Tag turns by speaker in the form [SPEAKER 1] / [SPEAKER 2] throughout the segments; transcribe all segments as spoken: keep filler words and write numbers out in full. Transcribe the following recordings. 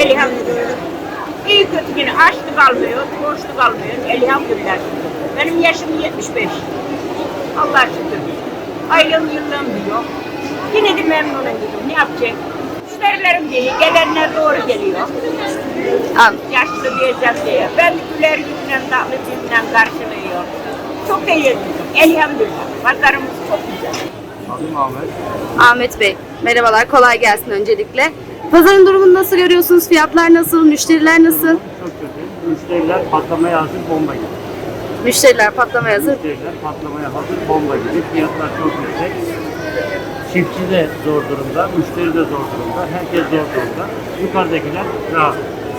[SPEAKER 1] Elhamdülillah. İyi kötü yine açlı kalmıyor, borçlu kalmıyor. Elhamdülillah. Benim yaşım yetmiş beş. Allah şükür. Aylığım yıllığım diyor. Yine de memnunum dedim. Ne yapacak? Müşterilerim değil, gelenler doğru geliyor.
[SPEAKER 2] An
[SPEAKER 1] Yaşlı diyeceğim diye. Ben de güler yüzünden, tatlı yüzünden karşılıyor. Çok da iyi. Elhamdülillah. Pazarımız çok güzel.
[SPEAKER 3] Adım Ahmet.
[SPEAKER 2] Ahmet Bey, merhabalar, kolay gelsin öncelikle. Pazarın durumunu nasıl görüyorsunuz? Fiyatlar nasıl? Müşteriler nasıl?
[SPEAKER 3] Çok kötü. Müşteriler patlamaya hazır bomba gibi.
[SPEAKER 2] Müşteriler patlamaya hazır.
[SPEAKER 3] Müşteriler patlamaya hazır bomba gibi. Fiyatlar çok yüksek. Çiftçi de zor durumda, müşteri de zor durumda, herkes zor durumda. Yukarıdakiler rahat.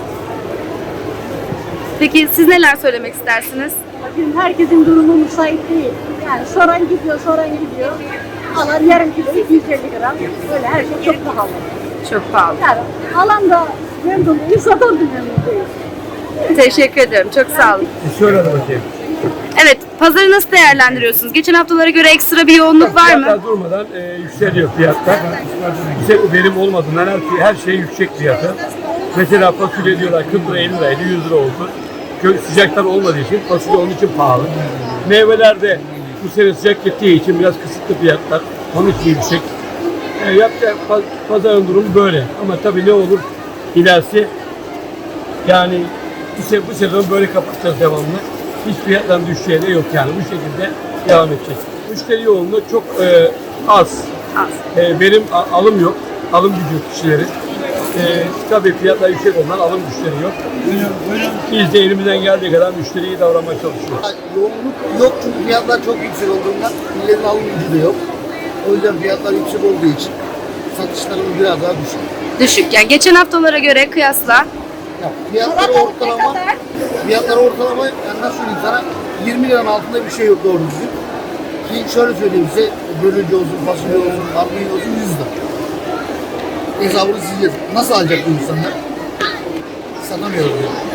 [SPEAKER 2] Peki siz neler söylemek istersiniz?
[SPEAKER 4] Bugün herkesin durumu müsait değil. Yani soran gidiyor, soran gidiyor. Alan yarım kilo iki yüz elli gram. Böyle her şey çok pahalı.
[SPEAKER 2] Çok pahalı.
[SPEAKER 4] Yani alan da memnun değil, satan da memnun değil.
[SPEAKER 2] Teşekkür ederim, çok sağ olun.
[SPEAKER 5] Şöyle hadi bakayım.
[SPEAKER 2] Evet, pazarı nasıl değerlendiriyorsunuz? Geçen haftalara göre ekstra bir yoğunluk var mı?
[SPEAKER 5] Fiyatlar durmadan e, yükseliyor fiyatlar. Yüksek verim olmadığından her, şey- her şey yüksek fiyatı. Mesela fasulye diyorlar kırk lira elli liraydı yüz lira oldu. Kö- Sıcaklar olmadığı için fasulye onun için pahalı. Meyveler de bu sene sıcak gittiği için biraz kısıtlı fiyatlar. Onun için yüksek. E, yapacak pa- pazarın durumu böyle. Ama tabii ne olur ilerisi yani bu, se- bu sezon böyle kapatacağız devamlı. Hiç fiyatların düşeceği de yok yani bu şekilde devam edecek. Müşteri yoğunluğu çok e, az.
[SPEAKER 2] Az.
[SPEAKER 5] E, benim a- alım yok. Alım gücü kişilerin. E, tabii fiyatlar yüksek olan alım güçleri yok. Biz de elimizden geldiği kadar müşteriyi davranmaya çalışıyoruz.
[SPEAKER 6] Yoğunluk yok çünkü fiyatlar çok yüksek olduğundan milletin alım gücü de yok. O yüzden fiyatlar yüksek olduğu için satışlarımız biraz daha düşük.
[SPEAKER 2] Düşük. Yani geçen haftalara göre kıyasla
[SPEAKER 6] Ya fiyatlar ortalama, fiyatlar ortalama yani nasıl söyleyeyim sana yirmi liranın altında bir şey yok doğru düzgün. Ki şöyle söyleyeyim size bölücü olsun, fasulye olsun, armağan olsun yüz lira. Hesabını siz yazın. Nasıl alacak bu insanlar? Satamıyoruz yani.